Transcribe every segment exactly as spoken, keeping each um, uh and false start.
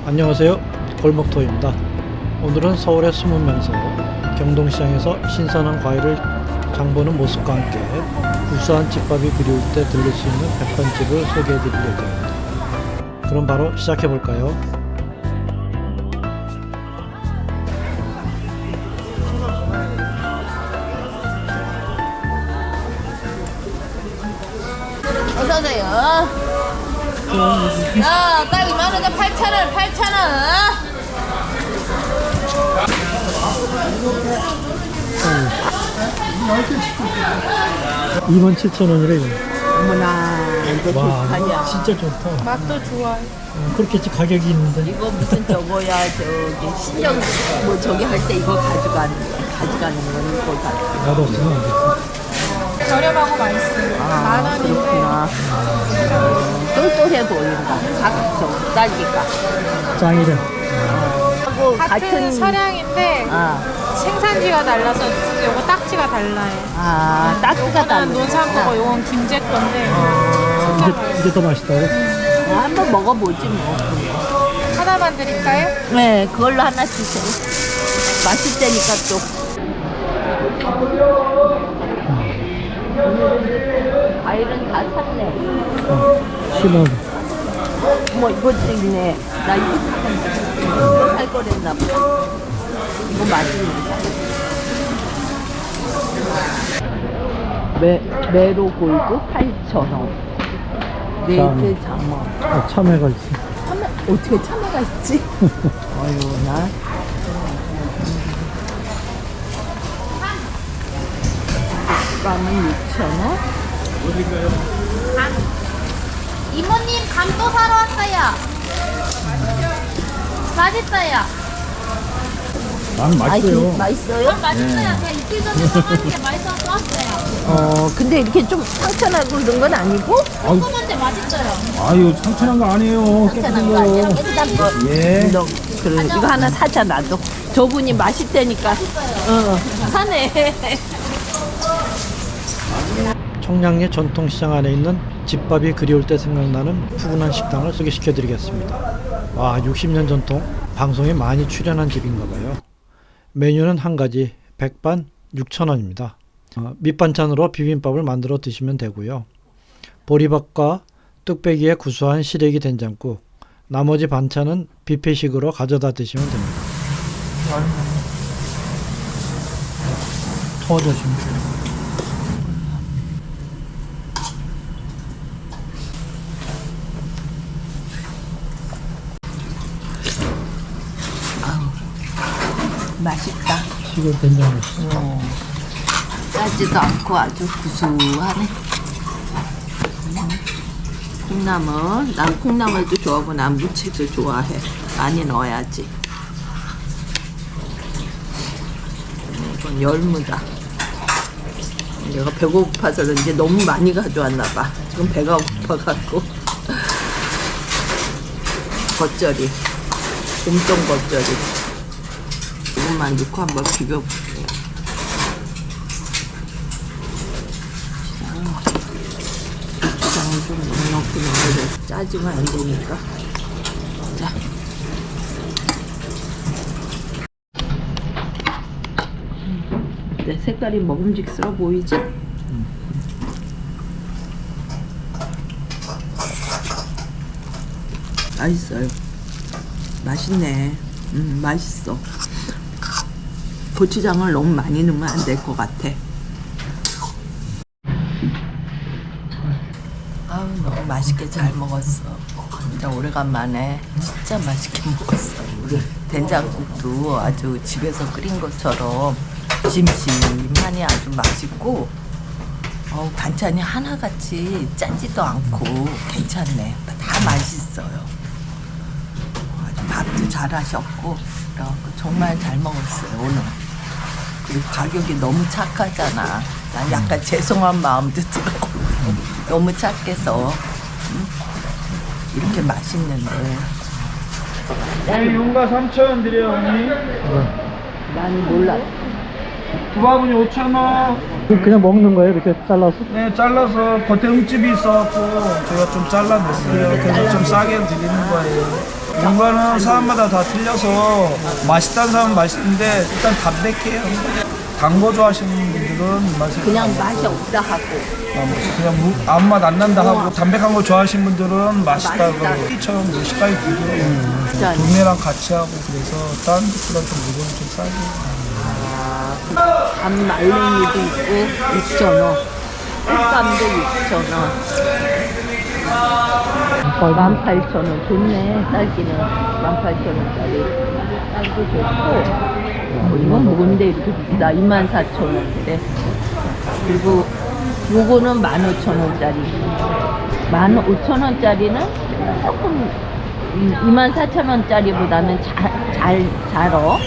안녕하세요, 골목토입니다. 오늘은 서울의 숨은 명소 경동시장에서 신선한 과일을 장보는 모습과 함께 구수한 집밥이 그리울 때 들릴 수 있는 백반집을 소개해 드릴 예정입니다. 그럼 바로 시작해 볼까요? 어서오세요. 야, 딸기 만원에 팔천 원, 팔천 원. 이만 칠천 원이래. 어머나, 이거 와, 좋다냐. 진짜 좋다. 맛도 좋아요. 어, 그렇겠지, 가격이 있는데. 이거 무슨 저거야, 저기 신정 뭐 저기 할 때 이거 가져가는 가져가는 건 이거 다. 나도 없으면 안 되지. 저렴하고 맛있어요. 아, 만 원인데 그렇구나. 어, 똘똘해 보인다. 각 저 딸기가. 짱이래. 하고 같은, 같은 서량인데 아, 생산지가 달라서 요거 딱지가 달라요. 아, 딱지가 요거는 다르. 논산 거고 요건 김제 건데 이게, 이게 더 맛있다고? 어, 한번 먹어보지 뭐. 하나만 드릴까요? 네, 그걸로 하나 주세요. 맛있다니까 또. 과일은 다 샀네. 십 원. 뭐 이것도 있네. 나 이거 샀는데. 이거 살 거랬나 보다. 이거 맛있는다. 메, 메로 골드 팔천 원. 네이트 장어. 어, 참외가 있어. 참외, 어떻게 참외가 있지? 어휴, 나. 감은 육천 원? 이모님 감 또 사러 왔어요. 맛있어요. 난 맛있어요. 아이, 맛있어요? 맛있어요. 제가 이틀 전에 사봤는데 맛있어서 또 왔어요. 어, 근데 이렇게 좀 상처나고 그런 건 아니고? 조그만데 맛있어요. 아유, 청천한 거 아니에요. 상처난 거 아니야? 깨끗한 거. 예. 너, 그래, 이거 하나 사자, 나도. 저분이 맛있다니까. 어, 사네. 청량리 전통시장 안에 있는 집밥이 그리울 때 생각나는 푸근한 식당을 소개시켜 드리겠습니다. 와, 육십 년 전통, 방송에 많이 출연한 집인가 봐요. 메뉴는 한 가지, 백반 육천 원입니다. 어, 밑반찬으로 비빔밥을 만들어 드시면 되고요. 보리밥과 뚝배기에 구수한 시래기 된장국, 나머지 반찬은 뷔페식으로 가져다 드시면 됩니다. 터져주면 돼요. 맛있다. 시골 된장국. 어, 짜지도 않고 아주 구수하네. 음. 콩나물, 난 콩나물도 좋아하고 난 무채도 좋아해. 많이 넣어야지. 이건 열무다. 내가 배고파서 그런지 너무 많이 가져왔나 봐. 지금 배가 고파갖고. 겉절이, 곰탕 겉절이. 이것만 넣고 한번 비벼볼게요. 고추장을 좀 넉넉히 넣어야 돼. 짜지면 안 되니까. 자. 내 색깔이 먹음직스러워 보이지? 맛있어요. 맛있네. 음, 맛있어. 고추장을 너무 많이 넣으면 안 될 것 같아. 아우, 너무 맛있게 잘 먹었어. 진짜 오래간만에 진짜 맛있게 먹었어. 우리 된장국도 아주 집에서 끓인 것처럼 심심하니 아주 맛있고, 어, 반찬이 하나같이 짜지도 않고 괜찮네. 다 맛있어요. 아주 밥도 잘하셨고, 그래갖고 정말 잘 먹었어요, 오늘. 그리고 가격이 너무 착하잖아. 난 약간 죄송한 마음도 들어. 너무 착해서. 응? 이렇게 맛있는데. 네, 용가 삼천 원 드려요, 어머니. 나는 몰라. 두바구니 오천 원. 그냥 먹는 거예요? 이렇게 잘라서? 네, 잘라서 겉에 흠집이 있어갖고 제가 좀 잘라냈어요. 그래서 좀 싸게 드리는 거예요. 용가는 사람마다 다 틀려서 맛있다는 사람은 맛있는데 일단 담백해요. 단 거 좋아하시는 분들은 맛이 그냥 맛이 없다 하고. 아, 뭐 그냥 무, 아무 맛 안 난다 하고 담백한 거 좋아하시는 분들은 맛있다고 맛있다고. 이처럼 뭐 식감이 부드러워요. 진짜. 동네랑 같이 하고 그래서 다른 집보다 좀 무게는 좀 싸고. 밤 말랭이도 있고 육천 원. 꽃감도 육천 원. 만 팔천 원. 좋네. 딸기는 만 팔천 원짜리. 딸기 좋고. 어, 이건 뭔데 이렇게 비싸? 이만 사천 원인데. 그리고 요거는 만 오천 원짜리. 만 오천 원짜리는 조금 이만 사천 원짜리보다는 잘, 잘, 자러.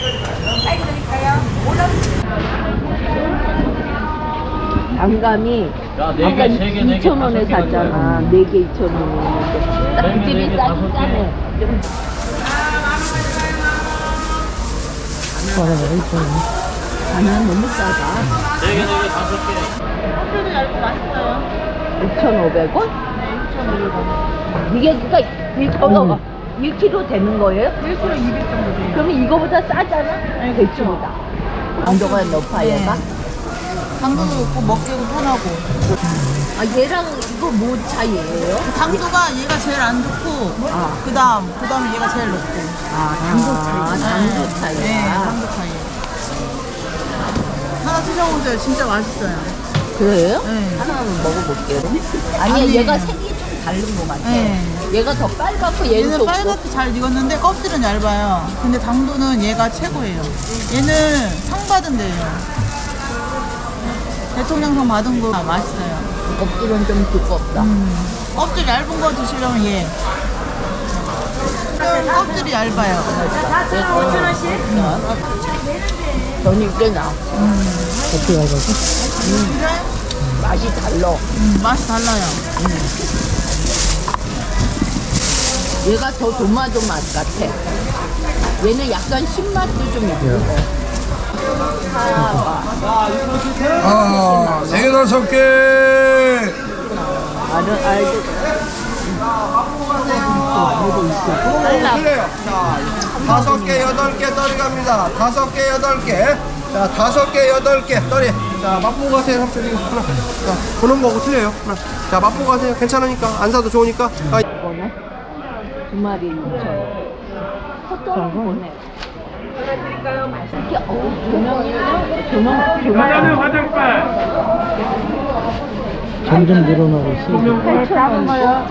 단감이 아까 이천 원에 샀잖아. 네 개 이천 원이었는데. 그 집이 싸긴 싸네. 좀 하나 너무 싸다. 네 개, 네 개, 다섯 개. 껍질도 얇고 맛있어요. 육천오백 원? 네, 육천오백 원. 이게 그니까 일, 어, 일 킬로그램 되는 거예요? 일 킬로그램 이백 정도 돼요. 그러면 이거보다 싸잖아? 아니, 대추보다. 강도가 높아, 얘가? 당도도 높고 먹기도 편하고. 아, 얘랑 이거 뭐 차이예요? 당도가 얘가 제일 안 좋고 아. 그다음 그다음에 얘가 제일 높고. 아, 당도 차이. 당도 네, 차이야. 당도 차이. 하나 드셔보세요. 진짜 맛있어요. 그래요? 네. 하나만 먹어볼게요. 아니야, 아니. 얘가 색이 좀 다른 것 같아. 네. 얘가 더 빨갛고 얘는 얘는 좁고. 빨갛게 잘 익었는데 껍질은 얇아요. 근데 당도는 얘가 최고예요. 얘는 상 받은 데예요. 대통령상 받은 거 맛있어요. 껍질은 좀 두껍다. 음. 껍질 얇은 거 드시려면 얘. 껍질이 얇아요. 오천 원씩? 전이 꽤 나. 어떻게 알아서? 맛이 달라. 음, 맛이 달라요. 얘가 더 도마도 맛 같아. 얘는 약간 신맛도 좀 있고. 아, 세 개, 다섯 개. 알은 알도. 틀려요. 자, 다섯 개, 여덟 개 떨이 갑니다. 다섯 개, 여덟 개. 자, 다섯 개, 여덟 개 떨이. 자, 맛보고 가세요, 삼촌. 이거 하나. 자, 보는 거고 틀려요. 하나. 자, 맛보고 가세요. 괜찮으니까. 안 사도 좋으니까. 아, 이거는 두 마리 육천 원. 헛돈 보내. 보내드릴까요? 맛있게. 어우, 조명이랑 조명, 조명. 점점 늘어나고 있어요. 팔천 원.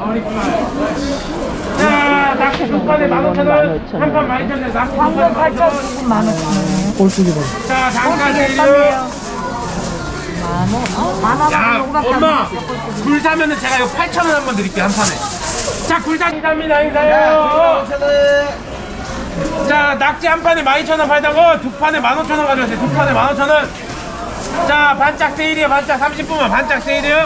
자, 낙지 두 판에 만 오천 원, 한 판 많이 쳤네. 낙지 두 판에 만 오천 원. 꼴뚜기 봐. 자, 잠깐 내려. 야, 엄마, 굴 사면은 제가 이거 팔천 원 한번 드릴게요, 한 판에. 자, 굴사 이사입니다, 이사요. 자, 낙지 한 판에 만 이천 원 팔다고 두 판에 만 오천 원 가져오세요. 두 판에 만 오천 원. 자, 반짝 세일이에요, 반짝 삼십 분만 반짝 세일이에요.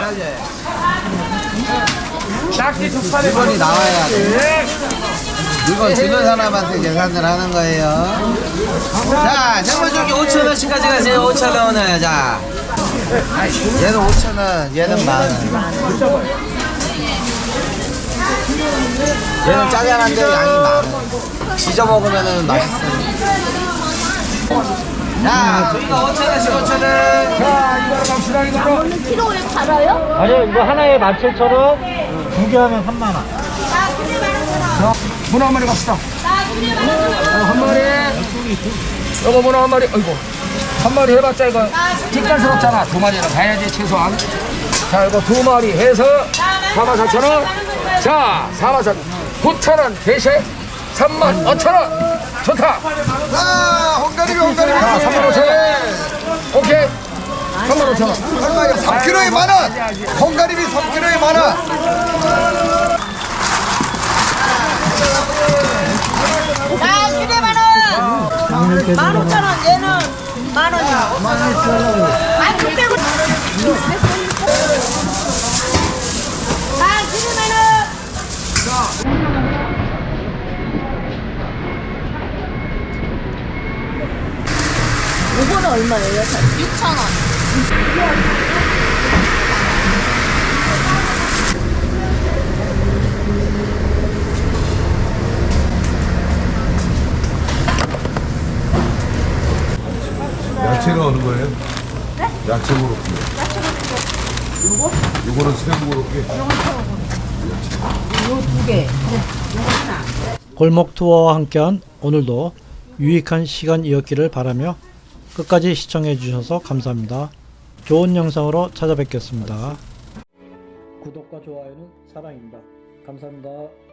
낙지 두 판에 물건이 나와야 돼. 네. 물건 주는 사람한테 계산을 하는 거예요. 자, 생물조기 오천 원씩 가져가세요. 오천 원을. 자, 얘는 오천 원, 얘는 만 원. 얘는 짜잘한데 양이 많아. 지져 먹으면 맛있어요. 자, 저희가 오천 원씩 오천 원. 자, 이거로 갑시다, 이거로. 오늘 키로에 팔아요? 아니요, 이거 하나에 만 칠천 원, 두 개 하면 삼만 원. 자, 문어 한 마리 갑시다. 어, 한 마리. 이거 문어 한 마리. 아이고. 한 마리 해봤자 이거 뒷간스럽잖아. 두 마리는 가야지, 최소한. 자, 이거 두 마리 해서 사만 사천 원. 자, 사만 사천 원. 구천 원 대신 삼만 오천 원. 좋다. 아, 홍가리비, 홍가리비. 자, 삼만 오천 원. 오케이. 삼만 오천 원. 얼마야? 삼 킬로그램에 만 원. 홍가리비 삼 킬로그램에 만 원. 아, 키로에 만 원. 만 오천 원. 얘는 만 원이요. 아, 육백 원. 아, 키로에 만 원. 이거는 얼마예요? 육천 원. 야채로 하는 거예요? 네? 야채 고로케. 야채 고로케. 요거? 요거는 새우 고로케. 골목 투어와 함께한 오늘도 유익한 시간이었기를 바라며 끝까지 시청해 주셔서 감사합니다. 좋은 영상으로 찾아뵙겠습니다. 구독과 좋아요는 사랑입니다. 감사합니다.